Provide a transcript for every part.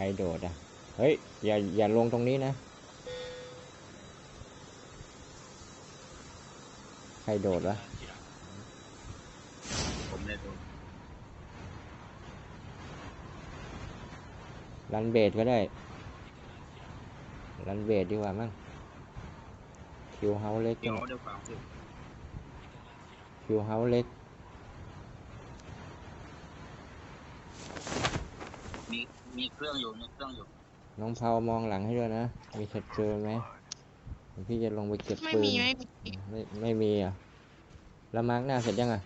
รโดดอ่ะเฮ้ยอย่าลงตรงนี้นะใครโดดวะผมเลยโดนรันเบดก็ได้รันเบดดีกว่ามั้งคิวเฮาเล็กเดี๋ยวเดี๋ยวฟังสิคิวเฮาเล็กมีเครื่องอยู่มีเครื่องอยู่น้องเผามองหลังให้ด้วยนะมีชัดเจนไหมพี่จะลงไปเก็บปืนไม่มีอ่ะแล้วมาร์กหน้าเสร็จยังอ่ะ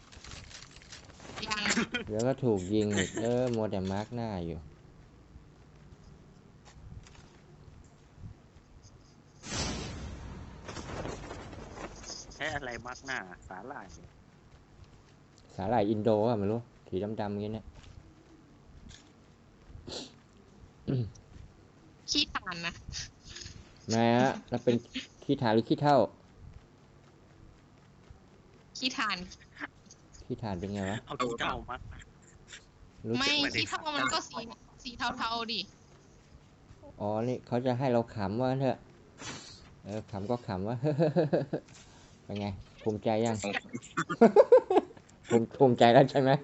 ยังเดี๋ยวก็ถูกยิงอีกมัวแต่มาร์กหน้าอยู่ใช้อะไรมัดหน้าสาหร่ายสาหร่ายอินโดอ่ะไม่รู้สีดำๆงี้เนี่ยขี้ตานนะแม่ฮะเราเป็นขี้ถ่านหรือขี้เท่าขี้ทานขี้ถ่านเป็นไงวะเอาขี้เต่ามัดรู้ไม่สึกขี้เท่ามันก็สีเทาๆดิอ๋อนี่เขาจะให้เราขำว่าเถอะขำก็ขำว่า เป็นไงภูมิใจยัง ภูมิใจแล้วใช่ไหม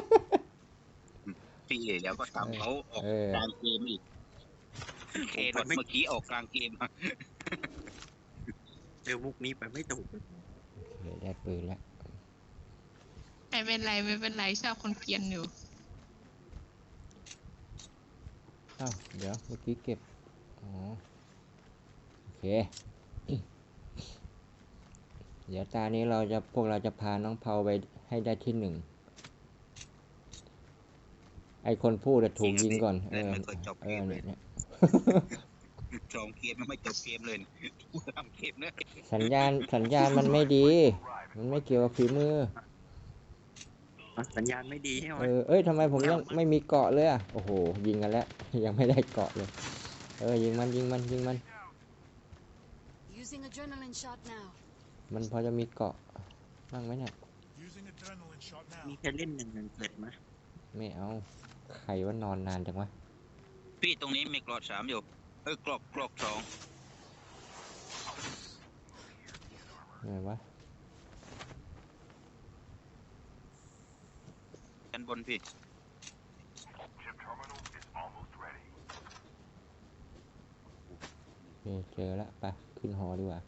พี่แล้วก็ทำเขาออกกลางเกมอีกเมื่อกี้ออกกลางเกมเจอมุกนี้ไปไม่ถูกได้ปืนแล้วไม่เป็นไรชอบคนเกรียนอยู่อ้าวเดี๋ยวเมื่อกี้เก็บอ๋อโอเค เดี๋ยวตานี้พวกเราจะพาน้องเผาไปให้ได้ที่1ไอคนพูดจะถูกยิงก่อนเนี่ยจองเกมไม่จบเกมเลยทำเกมเลยสัญญาณมันไม่ดี มันไม่เกี่ยวกับฝีมือสัญญาณไม่ดีใช่ไหมทำไมผมยังไม่มีเกาะเลยอ่ะโอ้โหยิงกันแล้ว ยังไม่ได้เกาะเลยยิงมัน Using adrenaline shot now. มันพอจะมีเกาะบ้างไหมเนี่ยมีแค่เล่น1-1ไหมไม่เอาใครว่านอนนานจังวะพี่ตรงนี้มีกรอก3อยู่กรอก2 ไงวะชั้นบนพี่เจอแล้วไปขึ้นหอดีกว่า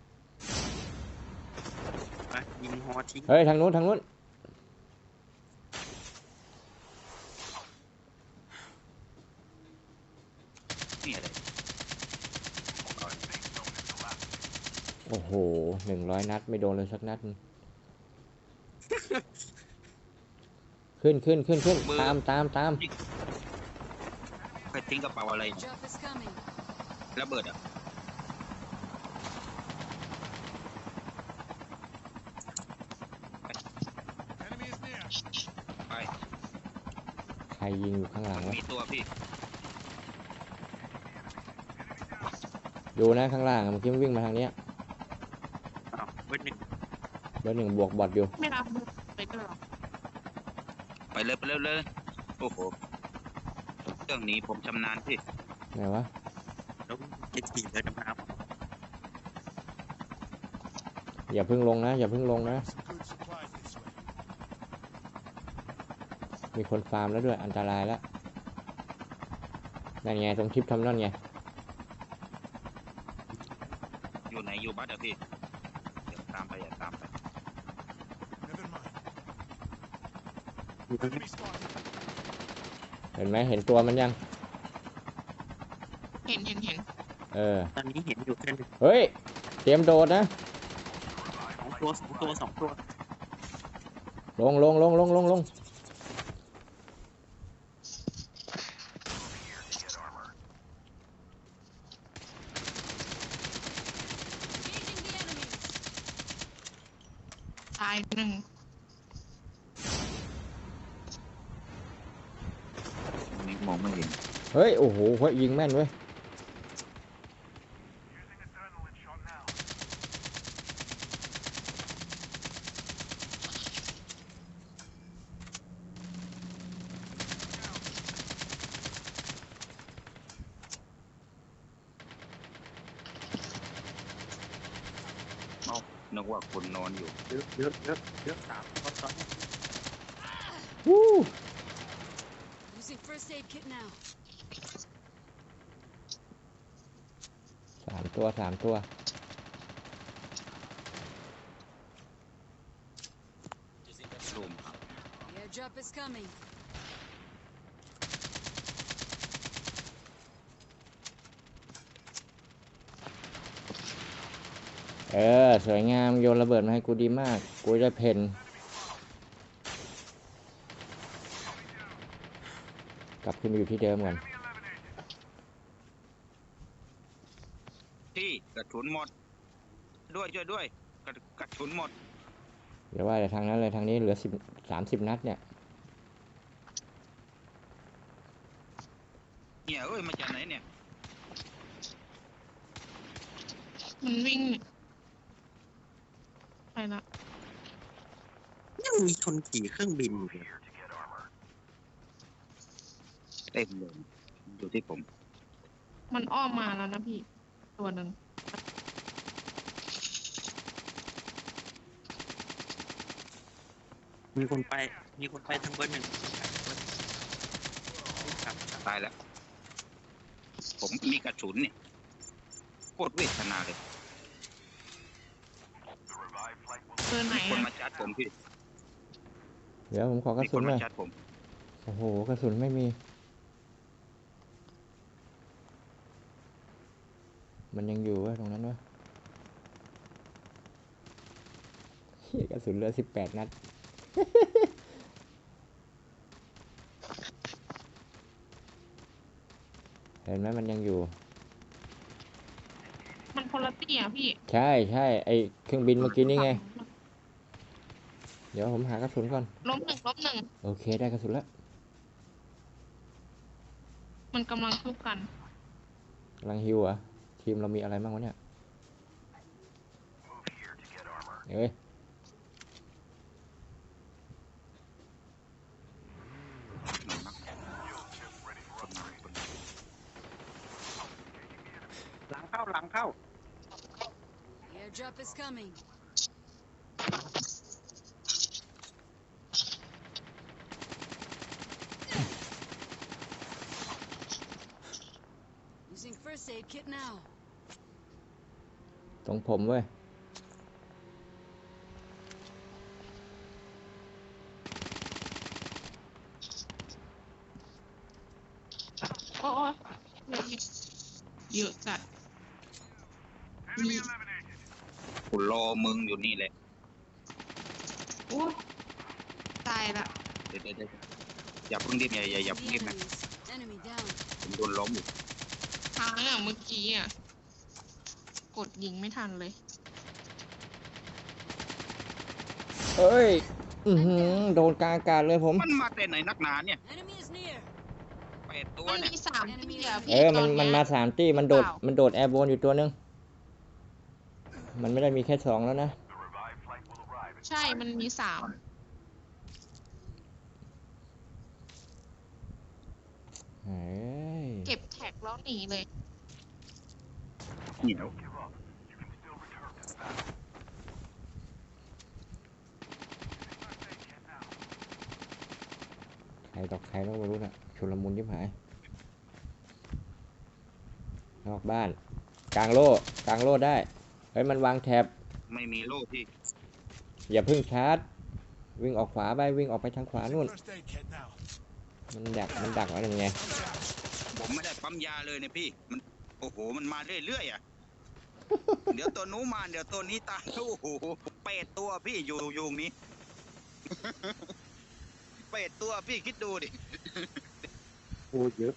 ไปยิงฮอทิ้งเฮ้ยทางนู้นนี่อะไรโอ้โห100 นัดไม่โดนเลยสักนัด ขึ้นตามใครทิ้งกระเป๋าอะไร Drop is coming. ระเบิดอ่ะไปใครยิงอยู่ข้างหลังวะมีตัวพี่ดูนะข้างล่างเมื่อกี้มันวิ่งมาทางเนี้ยเบอร์เบอร์ 1บวกบอทอยู่ไม่รับไปก็หรอไปเลยโอ้โหเรื่องนี้ผมชำนาญพี่ไหนวะ 1แล้วจะขี่เรือดำน้อย่าเพิ่งลงนะมีคนฟาร์มแล้วด้วยอันตรายแล้วนั่นไงตรงชิปทำนั่นไงอยู่ไหนอยู่บัสอ่ะพี่เดี๋ยวตามไปำอยู่ตรงนี้เห็นไหมเห็นตัวมันยังเห็นตอนนี้เห็นอยู่แค่1 เฮ้ยเตรียมโดดนะ 2 ตัวลงตาย1 นี่มองไม่เห็นเฮ้ยโอ้โหยิงแม่นเว้ยนึกว่าคนนอนอยู่เยอะเยอะเยอะเยอะสามคนตอนนี้วู้ Using first aid kit now. 3 ตัวรูมครับ The airdrop is coming. สวยงามโยนระเบิดมาให้กูดีมาก กูจะเพนกลับขึ้นมาอยู่ที่เดิมก่อนที่กระสุนหมดด้วยช่วยด้วยกระสุนหมดเดี๋ยวว่าแต่ทางนั้นเลยทางนี้เหลือ30 นัดเนี่ยเนี่ยเอ้ยมาจากไหนเนี่ยมันวิ่งไปละยังมีคนขี่เครื่องบินอยู่เลยเต็มเลยดูที่ผมมันอ้อมมาแล้วนะพี่ ตัวหนึ่งมีคนไปทางเบอร์หนึ่งครับตายแล้ว ผมมีกระสุนเนี่ยโคตรเวทนาเลยเบอร์ไหนมีคนอะมาจัดผมพี่เดี๋ยวผมขอกระมีคสุนนหมาน่อยจัดผมโอ้โหกระสุนไม่มี มันยังอยู่วะตรงนั้นวะเหี้ยกระสุนเหลือ18 นัด เห็นไหมมันยังอยู่มันคนละตี้อะพี่ใช่ไอเครื่องบินเมื่อกี้นี่ไง เดี๋ยวผมหากระสุนก่อนล้มหนึ่งโอเคได้กระสุนแล้วมันกำลังทุบกันกำลังฮิวเหรอ่ะทีมเรามีอะไรบ้างวะเนี่ยเอ้ยหลังเข้า The airdrop is coming. Using first aid kit now. ตรงผมเว้ยโอ้ยเยอะจัดมีกูรอมึงอยู่นี่แหละโอ้ยตายละเดี๋ยวอย่าเพิ่งรีบอย่า The เพิ่งรีบนะ enemies. Enemy down. ผมโดนล้มอยู่ทางอะเมื่อกี้อะกดยิงไม่ทันเลยเอ้ย โดนกลางอากาศเลยผมมันมาแต่ไหนนักหนาเนี่ย Enemy is near. 8 ตัวมันเนี่ยมี3ตี้อะพี่มันตอมันมา3 ตี้มันโดดแอร์โบนอยู่ตัวนึง มันไม่ได้มีแค่2แล้วนะใช่ มันมี3 เฮ้ยเก็บแท็กแล้วหนีเลยเหนียวใครตอกใครต้องไม่รู้น่ะชุลมุนยิบหาย นอกบ้าน กลางโล่ได้ เฮ้ยมันวางแท็บไม่มีโล่พี่อย่าเพิ่งชาร์จ วิ่งออกขวาไปวิ่งออกไปทางขวานู่น First aid kit now. มันดักไว้ยังไงผมไม่ได้ปั๊มยาเลยเนี่ยพี่ มันโอ้โหมันมาเรื่อยๆอ่ะ เดี๋ยวตัวนู้นมาเดี๋ยวตัวนี้ตายโอ้โห8 ตัวพี่อยู่ตรงนี้ 8 ตัวพี่คิดดูดิโอ้เยอะ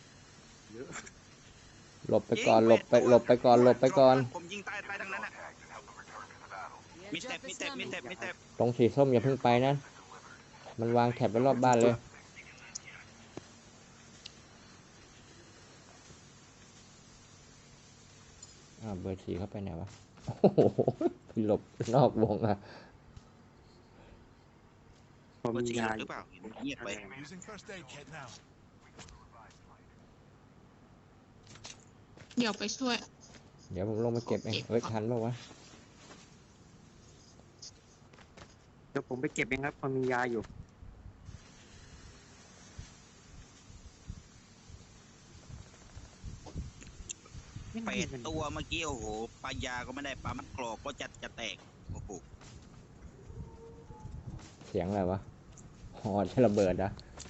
หลบไปก่อนหลบไปก่อนผมยิงตายทั้งนั้นอ่ะ The มีแท็บ airdrop มี is แท็บมี coming. แท็บมีแท็บตรงสีส้มอย่าเพิ่งไปนะ มันวางแท็บไว้รอบบ้านเลย เบอร์4เข้าไปไหนวะ โอ้โหหลบนอกวงอ่ะผมว่ามีจริงยาหรือเปล่าเงียบไป Using first aid kit now. เดี๋ยวไปช่วยเดี๋ยวผมลงมาเก็บเอง เฮ้ยทันปะวะเดี๋ยวผมไปเก็บเองครับพอมียาอยู่ 8 ตัวเมื่อกี้โอ้โหปลายาก็ไม่ได้ปั๊มกรอกก็จะแตกโอ้โหเสียงอะไรวะหอจะระเบิดนะ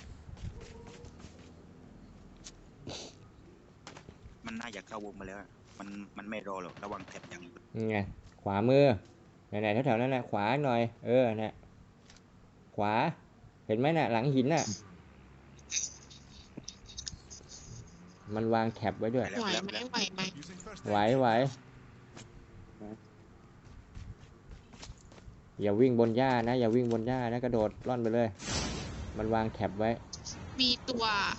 มันน่าจะเข้าวงมาแล้วอะมันไม่รอหรอกระวังแถบอย่างนี้นี่ไงขวามือไหนๆแถวๆนั้นนะขวาหน่อยเนี่ยขวาเห็นไหมน่ะหลังหินน่ะมันวางแท็บไว้ด้วยไหวไหมไหวไหม Using first ไหว aid. ไหวอย่าวิ่งบนหญ้านะอย่าวิ่งบนหญ้านะกระโดดล่อนไปเลย มันวางแท็บไว้มีตัว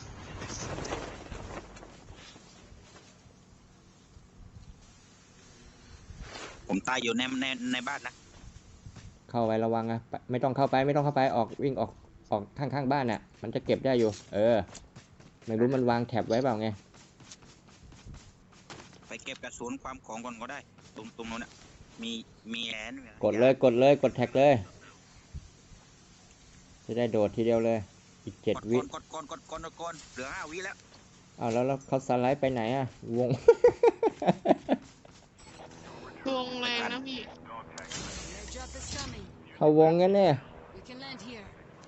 ผมตายอยู่ในบ้านนะเข้าไประวังนะไม่ต้องเข้าไปออกวิ่งออกข้างบ้านน่ะมันจะเก็บได้อยู่ไม่รู้มันวางแท็บไว้เปล่าไงไปเก็บกระสุนความของก่อนก็ได้ตรงนู้นน่ะมีแอนกดแท็กเลยจะได้โดดทีเดียวเลยอีก7 วิกดก่อนเหลือ5 วิแล้วอ้าวแล้วเขาสไลด์ไปไหนอะวงวงแรงนะพี่ The airdrop is coming. เขาวงงั้นเนี่ย We can land here.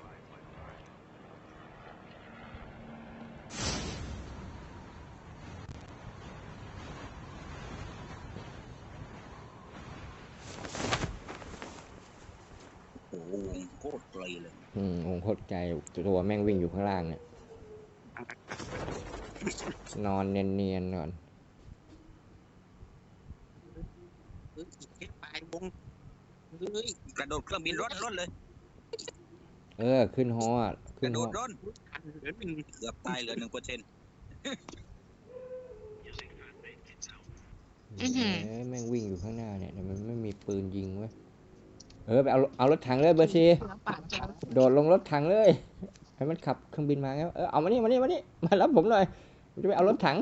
โอ้โหวงโคตรไกลเลยวงโคตรไกลตัวแม่งวิ่งอยู่ข้างล่างเนี่ยนอนเนียนๆก่อนปลายวงกระโดดเครื่องบินร่อนเลยขึ้นฮออ่ะกขึ้นระโดฮอดร่อนทันเหลือหนึ่งเกือบตายเหลือ 1% แม่งวิ่งอยู่ข้างหน้าเนี่ยแต่มันไม่มีปืนยิงเว้ยไปเอารถถังเลยเบอร์ซีเสือป่าแก้วโดดลงรถถังเลยให้มันขับเครื่องบินมาไงเอามานี่มารับผมหน่อยผมจะไปเอารถถัง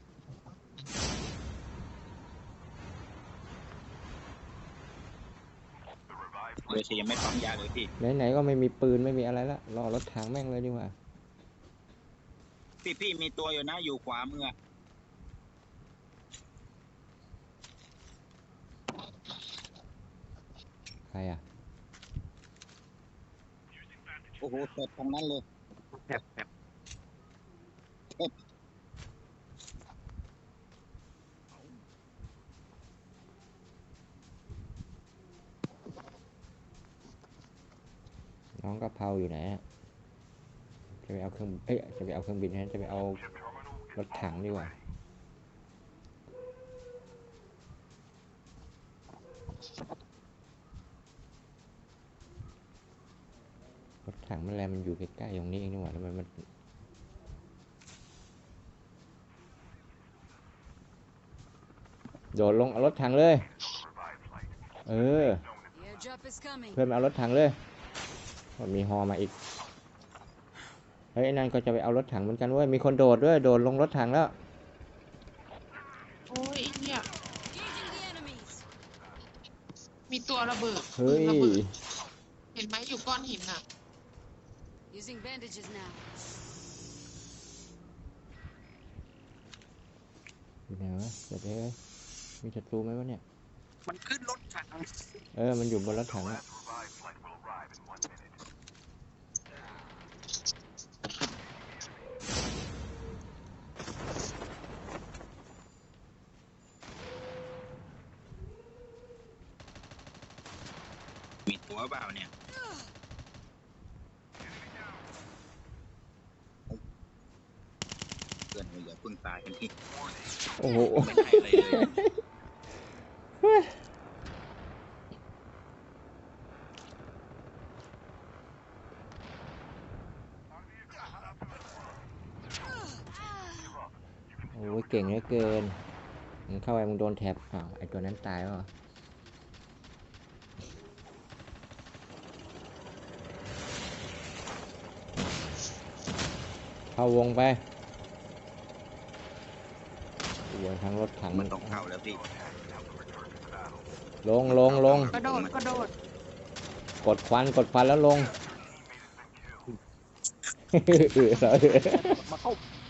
เลยสิยังไม่ปั๊มยาเลยพี่ไหนๆก็ไม่มีปืนไม่มีอะไรละรอรถถังแม่งเลยดีกว่าพี่มีตัวอยู่นะอยู่ขวามือใครอ่ะโอ้โหเสร็จตรงนั้นเลยแถบน้องกะเพราอยู่ไหนอะจะไปเอาเครื่องจะไปเอาเครื่องบินนะจะไปเอารถถังดีกว่ารถถังมันแลมันอยู่ใกล้ๆตรงนี้เองนี่หว่าทำไมมันโดดลงเอารถถังเลย The airdrop is coming. เพื่อนมาเอารถถังเลยมันมีฮอมาอีกไอ้นั่นก็จะไปเอารถถังเหมือนกันเว้ยมีคนโดดด้วยโดดลงรถถังแล้วโอ้ยไอ้เนี่ย Engaging the enemies. มีตัวระเบิดเฮ้ยระเบิดเห็นไหมอยู่ก้อนหินอ่ะ Using bandages now. อยู่ไหนวะเดี๋ยวมีศัตรูไหมวะเนี่ยมันขึ้นรถถังมันอยู่บนรถถังอะมีตัวเปล่าเนี่ยเพื่อนอย่าเพิ่งตายกันที่โอ้โหไม่ได้อะไรเลยโอ้ยเก่งเหลือเกินมึงเข้าไปมึงโดนแท็บไอตัวนั้นตายแล้วเหรอเข้าวงไปวงทางรถถังมันต้องเข้าแล้วพี่ลงกระโดดกดควันแล้วลงมาเข้า